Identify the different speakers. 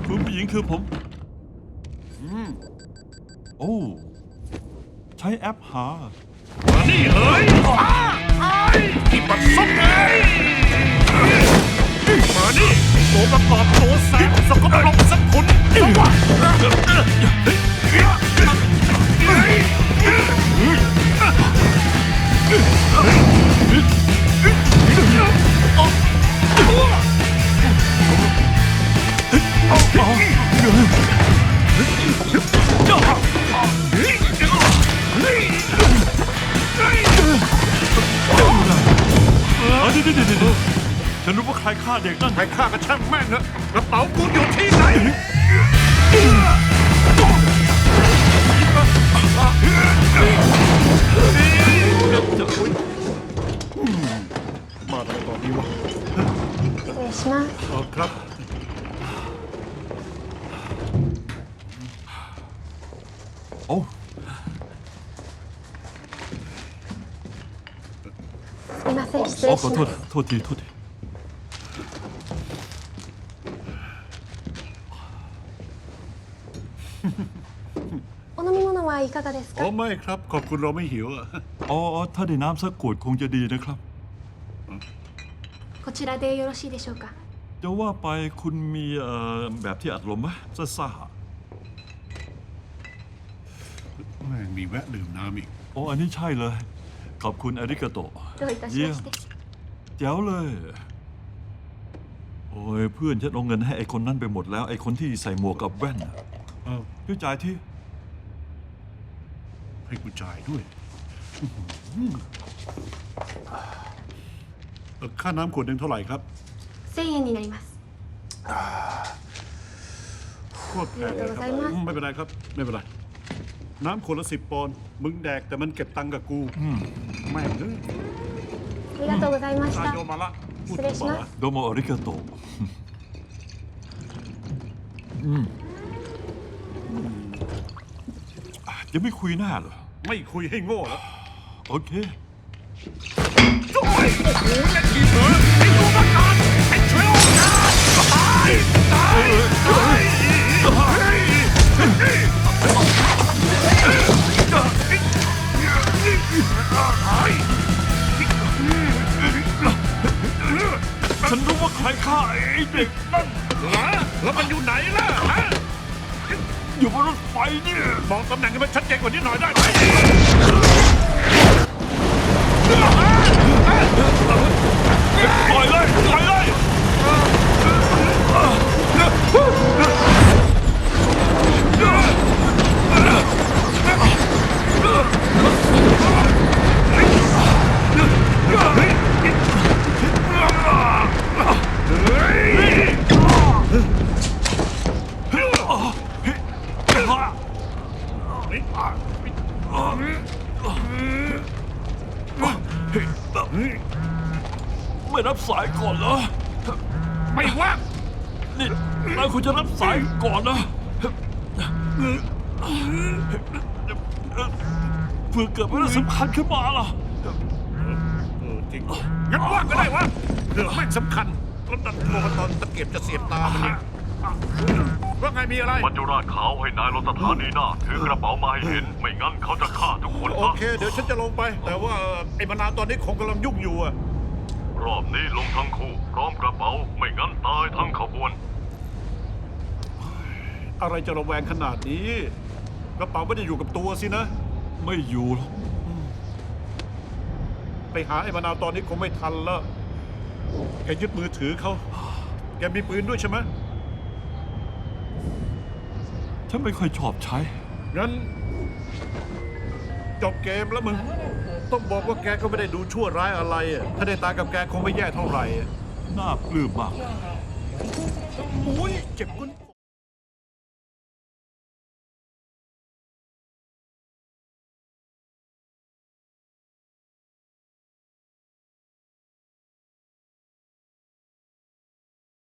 Speaker 1: คุณผู้หญิงคือผมโอ้ใช้แอปหา
Speaker 2: มานี่เฮ้ยที่ปัดซุกไงมานี่ตัวประกอบตัวแสบสกปรกสักคนสวะ
Speaker 1: ฉันรู้ว่าใครฆ่าเด็กนั่น
Speaker 2: ใครฆ่าก็ช่างแม่งเถอะกระเป๋ากูอยู่ที่ไหนมาทำไมตอนนี้วะ
Speaker 3: 失礼します。
Speaker 2: ครับ
Speaker 1: โอ้
Speaker 3: すみません、失礼
Speaker 1: ขอ
Speaker 3: し
Speaker 1: โทษ
Speaker 3: ます。
Speaker 1: โทษที
Speaker 3: お飲み物はいかがです
Speaker 2: อ๋อ
Speaker 3: か。
Speaker 2: ไม่ครับขอบคุณเราไม่หิวอะ
Speaker 1: อ๋อถ้าได้น้ำสักขวดคงจะดีนะครับ
Speaker 3: こちらでよろしいでしょうか。
Speaker 1: จะว่าไปคุณมีแบบที่อัดลมไหมซ่า
Speaker 2: แม่งมีแวะดื่มน้ำอีก
Speaker 1: ๆอ๋ออันนี้ใช่เลย ขอบคุณอาริกาโตะ
Speaker 3: どういたし
Speaker 1: เยี่ย
Speaker 3: ま
Speaker 1: ม
Speaker 3: して。
Speaker 1: แจ๋วเลย โอ้ยเพื่อนฉันเอาเงินให้ไอ้คนนั้นไปหมดแล้วไอ้คนที่ใส่หมวกกับแว่นน่ะ
Speaker 2: อ้าว
Speaker 1: ช่วยจ่ายที่
Speaker 2: ให้กูจ่ายด้วยค่าน้ำขวดหนึ่งเท่าไหร่ครับ
Speaker 3: 1000円になります。
Speaker 2: โคตรแพง
Speaker 3: ありがとうございます。
Speaker 2: ไม่เป็นไรครับ ไม่เป็นไร น้ำขวดละ10 ปอนด์มึงแดกแต่มันเก็บตังค์กับกูแม่งเอ้ย
Speaker 3: ありがとうございまし
Speaker 2: ตาย
Speaker 3: た
Speaker 2: โย。มาละพูด
Speaker 3: 失礼し
Speaker 2: ต่อ
Speaker 3: ま
Speaker 2: ละ
Speaker 3: す。
Speaker 1: โดโมอาริกาโตะยังไม่คุยหน้าเหรอ
Speaker 2: ไม่คุยให้โง่แล้ว
Speaker 1: โอเค
Speaker 2: โอ้ยโอ้โหเล่นทีเถอะไอ้ดูประกาศไอ้ช่วยโอกาสตายตายตาย
Speaker 1: ฉันรู้ว่าใครฆ่าไอ้เด็กนั่น
Speaker 2: แล้วมันอยู่ไหนล่ะฮะ
Speaker 1: อยู่บนรถไฟเนี่ย
Speaker 2: บอกตำแหน่งให้มันชัดเจนกว่านี้หน่อยได้ไหม
Speaker 1: ปล่อยเลยปล่อยเลยไม่รับสายก่อนเหรอ
Speaker 2: ไม่ว่าง
Speaker 1: นี่นายควรจะรับสายก่อนนะเพื่อเกิดเรื่องสำคัญขึ้นมาล่ะ
Speaker 2: จริงงั้นว่างก็ได้วะเรื่องไม่สำคัญรถดันโทรมาตอนตะเกียบจะเสียบตามันเนี่ยว่าไงมีอะไร
Speaker 4: มัจจุราชขาวให้นายรถสถานีหน้าถือกระเป๋ามาให้เห็น ไม่งั้นเขาจะฆ่าทุกคน
Speaker 2: โอ
Speaker 4: นะ
Speaker 2: เค เดี๋ยวฉันจะลงไป แต่ว่าไอ้มานาวตอนนี้คงกำลังยุ่งอยู่อะ
Speaker 4: รอบนี้ลงทั้งคู่พร้อมกระเป๋า ไม่งั้นตายทั้งขบวน
Speaker 2: อะไรจะระแวงขนาดนี้กระเป๋าไม่ได้อยู่กับตัวสินะ
Speaker 1: ไม่อยู่หรอก
Speaker 2: ไปหาไอ้มานาวตอนนี้คงไม่ทันแล้วแกยึดมือถือเขาแกมีปืนด้วยใช่ไหม
Speaker 1: ฉันไม่ค่อยชอบใช้
Speaker 2: งั้นจบเกมแล้วมึง ต้องบอกว่าแกก็ไม่ได้ดูชั่วร้ายอะไรอะถ้าได้ตายกับแกคงไม่แย่เท่าไหร่อะ
Speaker 1: น่าปลื้มมาก
Speaker 2: โอ้ยเจ็บกุน